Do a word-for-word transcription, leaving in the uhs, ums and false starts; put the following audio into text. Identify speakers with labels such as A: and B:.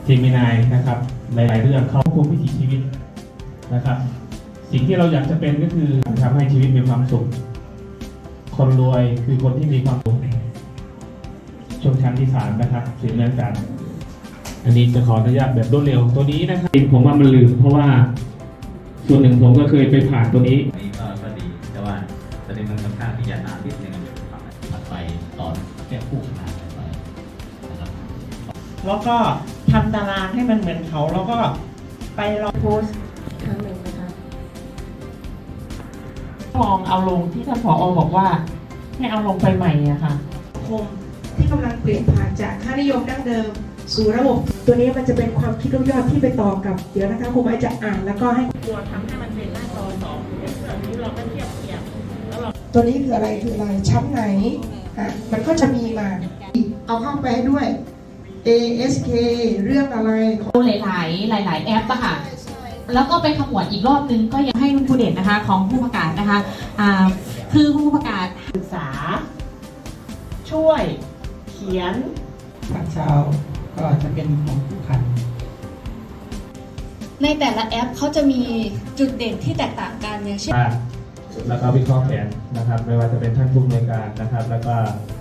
A: เจมินายนะครับหลายๆเรื่องเขาควบคุมวิถีชีวิตนะครับสิ่งที่เราอยากจะเป็นก็คือทำให้ชีวิตมีความสุขคนรวยคือคนที่มีความสุขชนชั้นที่สามนะครับสิ่งเหมือนกันอันนี้จะขออนุญาตแบบรวดเร็วตัวนี้นะครับผมว่ามันลืมเพราะว่าส่วนหนึ่งผมก็เคยไปผ่านตัวนี้
B: นี่ก็ก็ดีแต่ว่าประเด็นมันค่อนข้างที่จะนานนิดนึงถัดไปตอนแก้คู่ขนาดไปนะครับ
C: แล้วก็ทำตารางให้มันเหมือนเขาแล้วก็ไปลองโพสต์ครั้งหนึ่งนะคะลองเอาลงที่ท่านผอ.บอกว่าให้เอาลงไปใหม่อะค่ะ
D: คมที่กำลังเปลี่ยนผ่านจากค่านิยมดั้งเดิมสู่ระบบตัวนี้มันจะเป็นความคิดยอดที่ไปต่อกับเดี๋ยวนะคะครูไม้จะอ่านแล้วก็ให้
C: ตัวทำให้มันเป็นหน้าจอสองแบบนี้เราก็เทียบเทียบแล้วเรา
D: ตัวนี้คืออะไรคืออะไรชั้นไหนอ่ะมันก็จะมีมาเอาเข้าไปด้วย เอ เอส เค เรื่องอะไร
E: หลายๆหลาย ๆ แอปอะค่ะแล้วก็ไปขมวดอีกรอบนึงก็ยังให้คุณครูเด่นนะคะของผู้ประกาศนะคะอ่าคือผู้ประกาศ
C: ศึกษาช่วยเขียน
F: ภาคเช้าก็จะเป็นของผู้ขัน
G: ในแต่ละแอปเขาจะมีจุดเด่นที่แตกต่างกันอย่างเช่น
A: แล้วก็วิเคราะห์แผนนะครับไม่ว่าจะเป็นท่านผู้อำนวยการนะครับแล้วก็